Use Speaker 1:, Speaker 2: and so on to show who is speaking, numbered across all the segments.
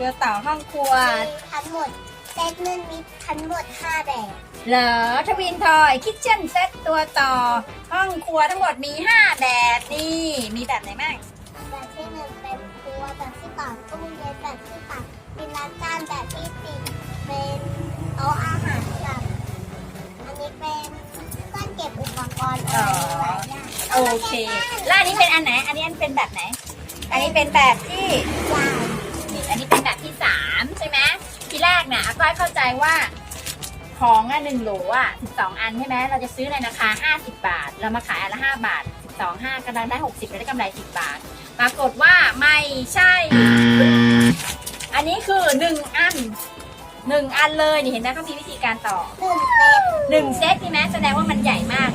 Speaker 1: ตัวต่อห้องครัว
Speaker 2: ทั้งหมดเซตนึงมีทั้งหมด5แบบ
Speaker 1: เหรอทวินทอยคิทเช่นเซตตัวต่อห้องครัวทั้งหมดมี5แบบนี่มีแบบไหนบ้าง
Speaker 2: แบบที่1เป็นครัวแบบที่2ตู้เย็นแบบที่3เป็นล้างจานแบบที่4เป็นโต๊ะอาหารแบบอันนี้เป็นเครื่องเก็บอุปกรณ์อะไรหลายอย่าง
Speaker 1: โอเคแล้วอันนี้เป็นอันไหนอันนี้เป็นแบบไหนอันนี้เป็นแบบที่นี่อันนี้เป็นแบบที่3ใช่ไหมทีแรกเนี่ยอาก้อยเข้าใจว่าของ1 โหล12 อันใช่ไหมเราจะซื้อในราคา50 บาทเรามาขายอันละ5 บาท12 5กำลังได้60เราได้กำไร10 บาทปรากฏว่าไม่ใช่อันนี้คือ1 อันเลยนี่เห็นไหมเขามีวิธีการต่อ1 เซตใช่ไหมแสดงว่ามันใหญ่มาก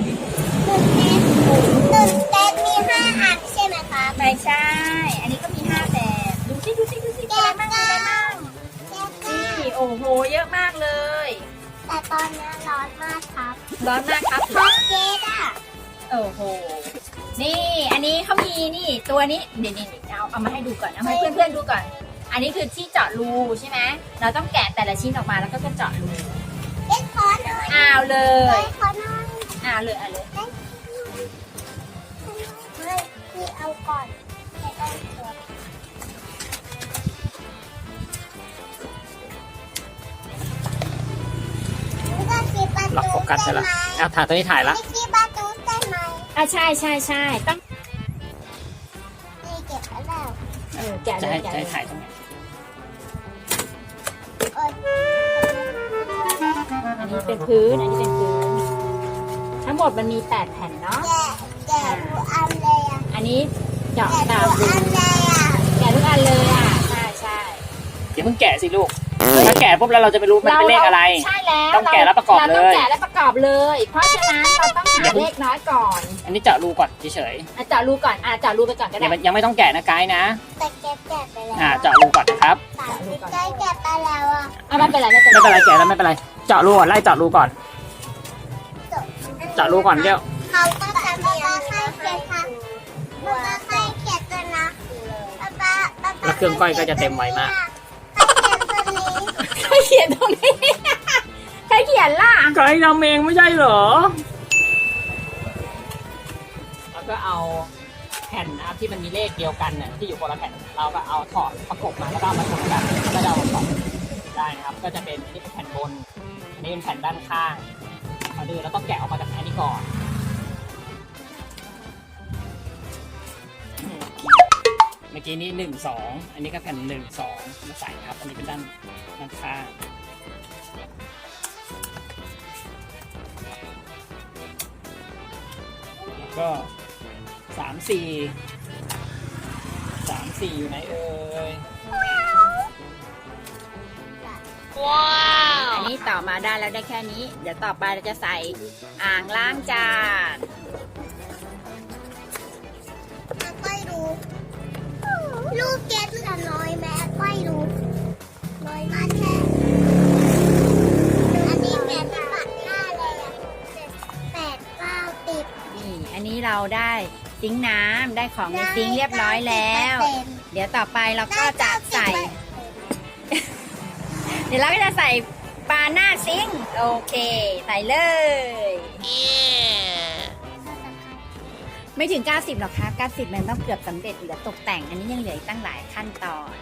Speaker 2: 1 เซตมี5 อันใช่ไหมคะ
Speaker 1: ไม่ใช่อันนี้ก็มี5 แบบดูสิอะไรบ้างนี่โอ้โหเยอะมากเลย
Speaker 2: แต่ตอนนี้ร้อนมากครับ
Speaker 1: เพราะ
Speaker 2: เกด
Speaker 1: โอ้โหนี่อันนี้เขามีนี่ตัวนี้เดี๋ยวเอามาให้ดูก่อนเอาให้เพื่อนๆดูก่อนอันนี้คือที่เจาะรูใช่ไหมเราต้องแกะแต่ละชิ้นออกมาแล้วก็เจาะรู
Speaker 2: เอ็กคอร์หน่อย
Speaker 1: เอาเลย
Speaker 2: ขอหน่อย
Speaker 1: เอาเลย
Speaker 2: ไม่พี่เอาก่อนให้เอาก่อน
Speaker 3: ล็อกโฟกัสใช่ไหมถ่ายตัวนี้ถ่ายละ
Speaker 2: ที่ประตูใช่ไหม
Speaker 1: ใช่ต้อง
Speaker 2: นี่เก็บแล้ว
Speaker 1: แกะ
Speaker 3: จะให้ถ่ายตรงไหน
Speaker 1: อันนี้เป็นพื้นทั้งหมดมันมี8 แผ่นเนาะ
Speaker 2: แกะทุกอันเลย
Speaker 1: อันนี้เจาะตามรู
Speaker 2: แกะ
Speaker 1: ทุกอันเลยใช่
Speaker 3: อย่าเพิ่งแกะสิลูกถ้าแกะปุ๊บแล้วเราจะไม่รู้มันเป็นเลขอะไร
Speaker 1: ใช่แล้ว
Speaker 3: ต้องแกะแล้วประกอบเลย
Speaker 1: ต้องแกะแล้วประกอบเลยเพราะฉะนั้นเราต้องหาเลขน้อยก่อน
Speaker 3: อันนี้เจาะรูก่อนเฉย
Speaker 1: เจาะรูก่อนเจาะรูไปก่อนก็ได้
Speaker 3: ยังไม่ต้องแกะนะไกด์นะ
Speaker 2: แต่แกะไปแล้ว
Speaker 3: เจาะรูก่อนนะครับ
Speaker 2: แกะไปแล้ว
Speaker 1: ไม่เป็นไร
Speaker 3: แกะแล้วไม่เป็นไรเจาะรูก่อนไล่เจาะรูก่อนเจาะรูก่อนเดี๋ยว
Speaker 2: เขาก็จะมีให้เขียนค่ะให้เขียนตัวนะ
Speaker 3: แล้วเครื่องก้อยก็จะเต็มไวมาก
Speaker 1: ใครเขียนตรงนี้ใครเขียนล่ะ
Speaker 3: ไกด์ทำเองไม่ใช่เหรอแล้วก็เอาแผ่นที่มันมีเลขเดียวกันเนี่ยที่อยู่คนละแผ่นเราก็เอาถอดประกบมาแล้วก็มาชนกันก็จะเอาสองได้นะครับก็จะเป็นอันนี้เป็นแผ่นบนอันนี้เป็นแผ่นด้านข้างมาดูแล้วก็แกะออกมาจากอันนี้ก่อนเมื่อกี้นี้1 2อันนี้ก็แผ่น1 2มาใส่ครับอันนี้เป็นด้านข้างแล้วก็3 4อยู่ไหนเอ่ย
Speaker 1: ว้าวอันนี้ต่อมาได้แล้วได้แค่นี้เดี๋ยวต่อไปเราจะใส่อ่างล้างจาน
Speaker 2: ไม่รู้ลูกเก็ตเหลือน้อยแม่ไม่รู้น้อยมากแค่อันนี้แม่ที่ปัดหน้าเลย8 9 10
Speaker 1: นี่อันนี้เราได้ซิงค์น้ำได้ของในซิงค์เรียบร้อยแล้วเดี๋ยวต่อไปเราก็จะใส่เดี๋ยวเราก็จะใส่ปลาหน้าซิงค์โอเคใส่เลยไม่ถึง90หรอกครับ90มันต้องเกือบสำเร็จเหลือตกแต่งอันนี้ยังเหลืออีกตั้งหลายขั้นตอน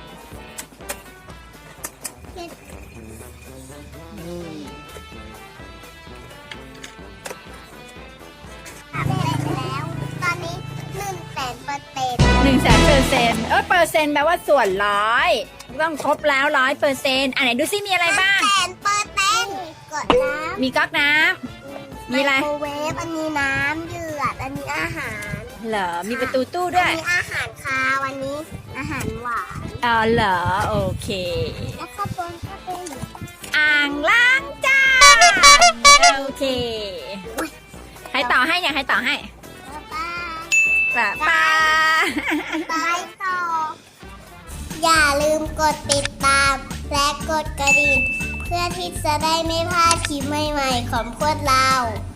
Speaker 2: แล้วตอนนี้100,000%
Speaker 1: เปอร์เซ็นต์แปลว่าส่วน100ต้องครบแล้ว100%อันไหนดูซิมีอะไรบ้าง
Speaker 2: 100%กดน้ำ
Speaker 1: มีก๊อกน้ำมีอะไร
Speaker 2: ไมโครเวฟอันนี้น้ำเดือดอันนี้อาหาร
Speaker 1: เหรอมีประตูตู้ด้วย
Speaker 2: อันนี้อาหารคาว วันนี้อาหารหวาน
Speaker 1: เหรอโอเค
Speaker 2: แล้วก็เป็น
Speaker 1: อ่างล้างจานโอเคให้ต่อให้อยากให้ต่อให้ป้า
Speaker 2: ต่ออย่าลืมกดติดตามและกดกระดิ่งเพื่อที่จะได้ไม่พลาดคลิปใหม่ๆของพวกเรา